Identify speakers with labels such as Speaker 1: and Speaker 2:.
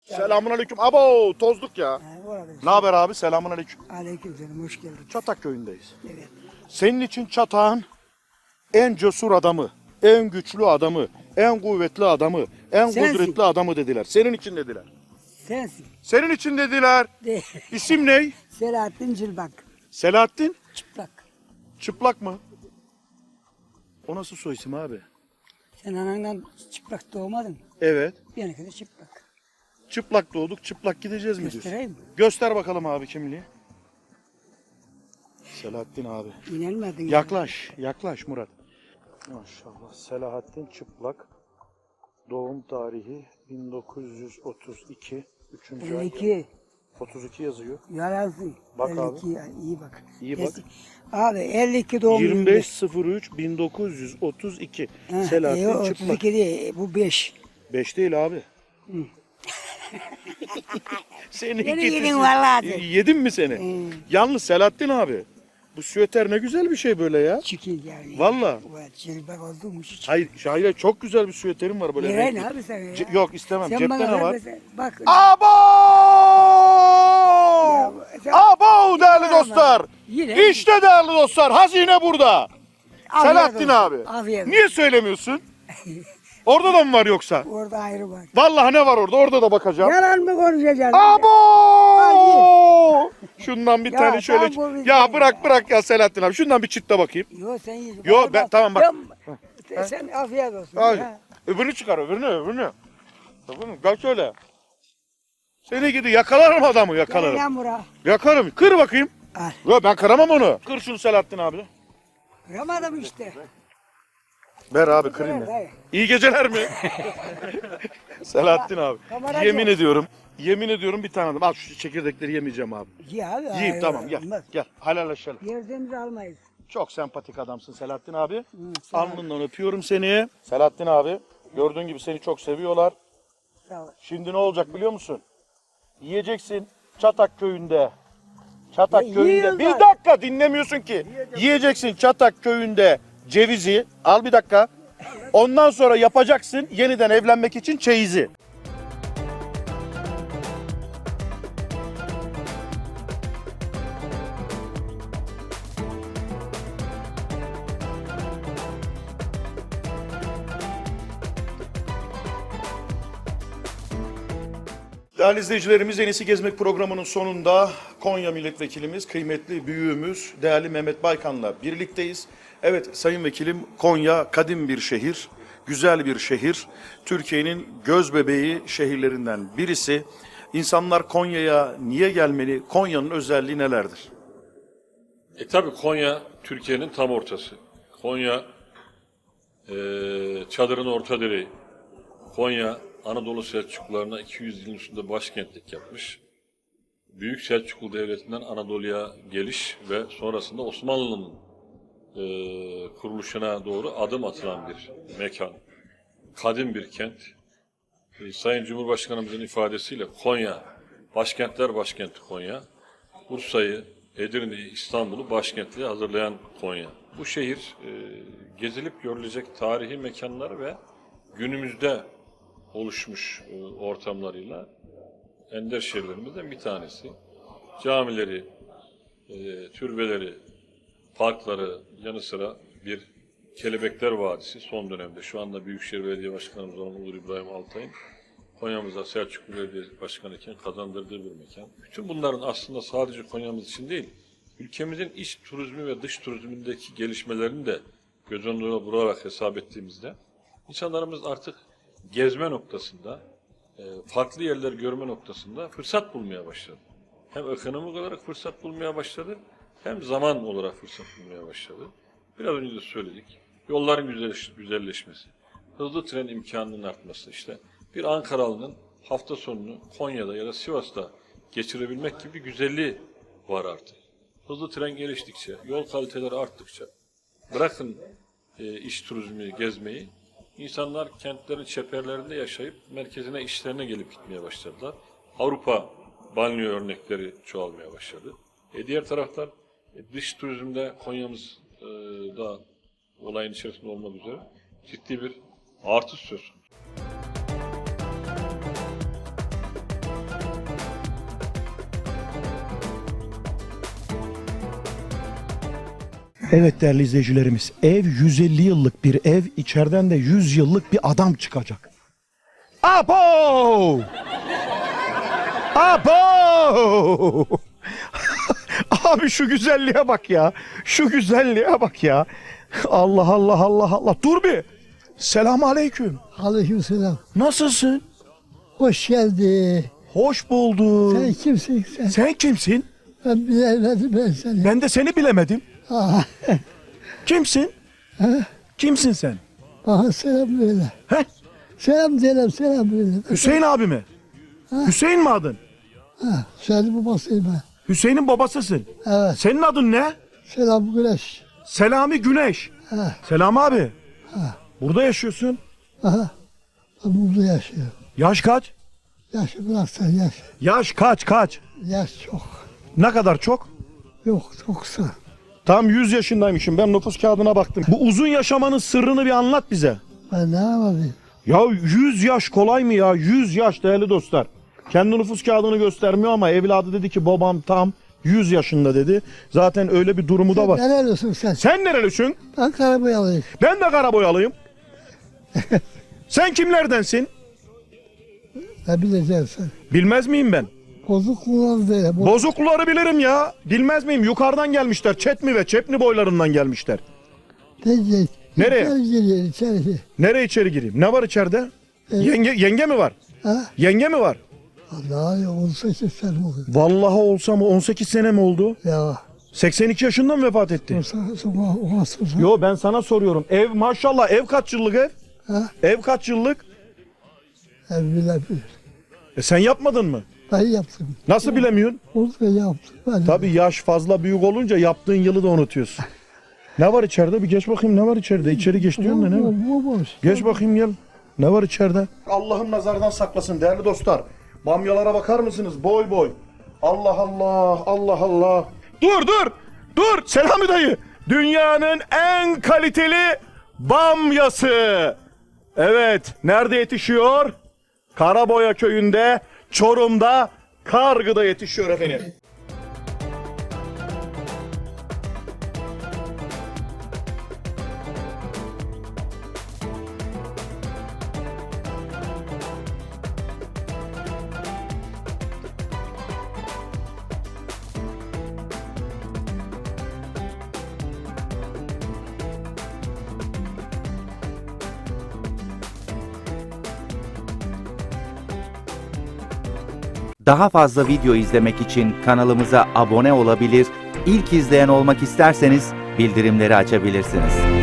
Speaker 1: Selamünaleyküm. Abo tozduk ya. Ne haber abi? Selamünaleyküm.
Speaker 2: Aleykümselam, hoş geldin.
Speaker 1: Çatak köyündeyiz.
Speaker 2: Evet.
Speaker 1: Senin için Çatak'ın en cesur adamı, en güçlü adamı, en kuvvetli adamı, en
Speaker 2: Sensin.
Speaker 1: kudretli adamı dediler. Senin için dediler.
Speaker 2: Sensin.
Speaker 1: Senin için dediler.
Speaker 2: De.
Speaker 1: İsim ne?
Speaker 2: Selahattin Cilbak.
Speaker 1: Selahattin.
Speaker 2: Çıplak.
Speaker 1: Çıplak mı? O nasıl soy isim abi?
Speaker 2: Sen anandan çıplak doğmadın.
Speaker 1: Evet.
Speaker 2: Benimki de çıplak.
Speaker 1: Çıplak doğduk, çıplak gideceğiz mi diyorsun?
Speaker 2: Göstereyim mi?
Speaker 1: Göster bakalım abi kimliği. Selahattin abi.
Speaker 2: İnanmadın.
Speaker 1: Yaklaş, yaklaş Murat. Maşallah. Selahattin Çıplak. Doğum tarihi 1932. 3. ay.
Speaker 2: 52.
Speaker 1: 32 yazıyor.
Speaker 2: Yalansın.
Speaker 1: Bak
Speaker 2: 52
Speaker 1: abi.
Speaker 2: ya, iyi bak.
Speaker 1: İyi bak.
Speaker 2: Abi 52 doğum
Speaker 1: 25.03 1932. Selahattin Çıplak.
Speaker 2: 32 değil, bu 5.
Speaker 1: 5 değil abi. Seni
Speaker 2: Beni
Speaker 1: ikisi-
Speaker 2: yedin vallahi.
Speaker 1: Yedin mi seni? Yalnız Selahattin abi. Bu süveter ne güzel bir şey böyle ya.
Speaker 2: Çikil yani.
Speaker 1: Valla.
Speaker 2: Bu Cilbak olduğum için.
Speaker 1: Hayır çok güzel bir süveterim var böyle.
Speaker 2: Nereye
Speaker 1: renkli.
Speaker 2: abi sen ya?
Speaker 1: Yok istemem.
Speaker 2: Sen
Speaker 1: Cepte
Speaker 2: bana
Speaker 1: ne
Speaker 2: ver
Speaker 1: var?
Speaker 2: mesela. Bak.
Speaker 1: Abo!
Speaker 2: sen-
Speaker 1: Abo değerli
Speaker 2: Yine
Speaker 1: dostlar.
Speaker 2: ama. Yine.
Speaker 1: İşte değerli dostlar hazine burada.
Speaker 2: Afiyet
Speaker 1: Selahattin
Speaker 2: olsun.
Speaker 1: abi.
Speaker 2: Afiyet olsun.
Speaker 1: Niye söylemiyorsun? Orada da mı var yoksa?
Speaker 2: Orada ayrı var.
Speaker 1: Vallahi ne var orada? Orada da bakacağım.
Speaker 2: Yalan mı konuşacaksın?
Speaker 1: Abo! Şundan bir
Speaker 2: Ya
Speaker 1: tane şöyle.
Speaker 2: tam bu bizden
Speaker 1: Ya bırak ya Selahattin abi. Şundan bir çıtla bakayım.
Speaker 2: Yo sen yiyeceksin.
Speaker 1: Yo, ben- tamam, bak.
Speaker 2: Sen afiyet olsun.
Speaker 1: Hayır.
Speaker 2: Ya.
Speaker 1: Öbürünü çıkar öbürünü. Tamam mı? Gel şöyle. Seni gidi yakalarım adamı
Speaker 2: Gel
Speaker 1: yakalarım.
Speaker 2: lan bura.
Speaker 1: Yakarım. Kır bakayım.
Speaker 2: Al.
Speaker 1: Yo ben kıramam onu. Kır şunu Selahattin abi.
Speaker 2: Kıramadım işte.
Speaker 1: Ver abi kırayım ya.
Speaker 2: Hayır.
Speaker 1: İyi geceler mi? Selahattin abi.
Speaker 2: Kameracı.
Speaker 1: Yemin ediyorum bir tane adam. Al şu çekirdekleri yemeyeceğim abi.
Speaker 2: Ye abi.
Speaker 1: Yiyeyim
Speaker 2: hayır,
Speaker 1: tamam gel.
Speaker 2: olmaz.
Speaker 1: Gel helalleşelim.
Speaker 2: Yerden almayız.
Speaker 1: Çok sempatik adamsın Selahattin abi.
Speaker 2: Sağ ol.
Speaker 1: Alnından öpüyorum seni. Selahattin abi gördüğün gibi seni çok seviyorlar.
Speaker 2: Sağ ol.
Speaker 1: Şimdi ne olacak biliyor musun? Yiyeceksin Çatak köyünde. Çatak
Speaker 2: Ya
Speaker 1: köyünde.
Speaker 2: yiyorlar.
Speaker 1: Bir dakika dinlemiyorsun ki. Yiyeceksin Çatak köyünde cevizi. Al bir dakika. Ondan sonra yapacaksın yeniden evlenmek için çeyizi. Değerli izleyicilerimiz En İyisi Gezmek programının sonunda Konya milletvekilimiz, kıymetli büyüğümüz, değerli Mehmet Baykan'la birlikteyiz. Evet sayın vekilim Konya kadim bir şehir, güzel bir şehir. Türkiye'nin göz bebeği şehirlerinden birisi. İnsanlar Konya'ya niye gelmeli? Konya'nın özelliği nelerdir?
Speaker 3: Tabii Konya Türkiye'nin tam ortası. Konya çadırın orta direği. Konya Anadolu Selçuklularına 200 yılın üstünde başkentlik yapmış. Büyük Selçuklu Devleti'nden Anadolu'ya geliş ve sonrasında Osmanlı'nın kuruluşuna doğru adım atılan bir mekan. Kadim bir kent. Sayın Cumhurbaşkanımızın ifadesiyle Konya, başkentler başkenti Konya. Bursa'yı, Edirne'yi, İstanbul'u başkentliğe hazırlayan Konya. Bu şehir gezilip görülecek tarihi mekanlar ve günümüzde oluşmuş ortamlarıyla ender şehirlerimizden bir tanesi. Camileri, türbeleri, parkları yanı sıra bir Kelebekler Vadisi son dönemde şu anda Büyükşehir Belediye Başkanımız olan Uğur İbrahim Altay'ın Konya'mıza Selçuklu Belediye Başkanı iken kazandırdığı bir mekan. Bütün bunların aslında sadece Konya'mız için değil, ülkemizin iç turizmi ve dış turizmindeki gelişmelerini de göz önüne vurarak hesap ettiğimizde insanlarımız artık gezme noktasında, farklı yerler görme noktasında fırsat bulmaya başladı. Hem ekonomik olarak fırsat bulmaya başladı, hem zaman olarak fırsat bulmaya başladı. Biraz önce de söyledik, yolların güzelleşmesi, hızlı tren imkanının artması, işte bir Ankaralı'nın hafta sonunu Konya'da ya da Sivas'ta geçirebilmek gibi bir güzelliği var artık. Hızlı tren geliştikçe, yol kaliteleri arttıkça, bırakın iş turizmi gezmeyi, İnsanlar kentlerin çeperlerinde yaşayıp merkezine işlerine gelip gitmeye başladılar. Avrupa banliyö örnekleri çoğalmaya başladı. Diğer taraftan dış turizmde Konya'mız da olayın içerisinde olmak üzere ciddi bir artış söz konusu.
Speaker 1: Evet değerli izleyicilerimiz, ev 150 yıllık bir ev, içeriden de 100 yıllık bir adam çıkacak. Abo! Abo! Abi şu güzelliğe bak ya. Şu güzelliğe bak ya. Allah Allah Allah Allah. Dur bir. Selamun aleyküm.
Speaker 4: Aleykümselam.
Speaker 1: Nasılsın?
Speaker 4: Hoş geldi.
Speaker 1: Hoş bulduk.
Speaker 4: Sen kimsin sen?
Speaker 1: Sen kimsin?
Speaker 4: Ben bilemedim ben seni.
Speaker 1: Ben de seni bilemedim.
Speaker 4: Ah,
Speaker 1: Kimsin? Kimsin sen?
Speaker 4: bana selam böyle.
Speaker 1: He?
Speaker 4: Selam böyle.
Speaker 1: Hüseyin abi mi? Hüseyin mi adın?
Speaker 4: Ha, senin babasıyım ben.
Speaker 1: Hüseyin'in babasısın.
Speaker 4: Evet.
Speaker 1: Senin adın ne?
Speaker 4: Selam Güneş.
Speaker 1: Selami Güneş.
Speaker 4: Ha,
Speaker 1: Selam abi. Burada yaşıyorsun.
Speaker 4: aha. Ben burada yaşıyorum.
Speaker 1: Yaş kaç?
Speaker 4: Yaşı bırak sen yaş.
Speaker 1: Yaş kaç?
Speaker 4: Yaş çok.
Speaker 1: Ne kadar çok?
Speaker 4: Yok çok kısa.
Speaker 1: Tam 100 yaşındaymışım. Ben nüfus kağıdına baktım. Bu uzun yaşamanın sırrını bir anlat bize.
Speaker 4: Ben ne yapayım?
Speaker 1: Ya 100 yaş kolay mı ya? 100 yaş değerli dostlar. Kendi nüfus kağıdını göstermiyor ama evladı dedi ki babam tam 100 yaşında dedi. Zaten öyle bir durumu da var.
Speaker 4: Nerelisin sen?
Speaker 1: Sen nerelisin?
Speaker 4: Ben Karaboyalıyım.
Speaker 1: Ben de Karaboyalıyım. Sen kimlerdensin?
Speaker 4: Ne bileceksin sen?
Speaker 1: Bilmez miyim ben?
Speaker 4: Bozuk kullan diye.
Speaker 1: Bozukluları bilirim ya. Bilmez miyim? Yukarıdan gelmişler. Çetmi ve Çepni boylarından gelmişler. Nereye?
Speaker 4: İçeri giriyor içeri.
Speaker 1: Nereye içeri gireyim? Ne var içeride? Yenge mi var?
Speaker 4: Ha?
Speaker 1: Yenge mi var?
Speaker 4: Allah ya 18 sene oldu.
Speaker 1: Vallahi olsa mı 18 sene mi oldu?
Speaker 4: Ya.
Speaker 1: 82 yaşında mı vefat etti?
Speaker 4: O
Speaker 1: Yo ben sana soruyorum. Ev maşallah ev kaç yıllık ev?
Speaker 4: Ha?
Speaker 1: Ev kaç yıllık?
Speaker 4: Bilebilir.
Speaker 1: Sen yapmadın mı?
Speaker 4: Ben yaptım.
Speaker 1: Nasıl bilemiyorsun?
Speaker 4: Onu da yaptım. Ben
Speaker 1: Tabii yaş fazla büyük olunca yaptığın yılı da unutuyorsun. Ne var içeride? Bir geç bakayım ne var içeride? İçeri geç diyorsun da ne var?
Speaker 4: Bu boş.
Speaker 1: Geç bakayım gel. Ne var içeride? Allah'ım nazardan saklasın değerli dostlar. Bamyalara bakar mısınız? Boy boy. Allah Allah, Allah Allah. Dur. Selami dayı. Dünyanın en kaliteli bamyası. Evet, nerede yetişiyor? Karaboya köyünde, Çorum'da, Kargı'da yetişiyor efendim.
Speaker 5: Daha fazla video izlemek için kanalımıza abone olabilir, ilk izleyen olmak isterseniz bildirimleri açabilirsiniz.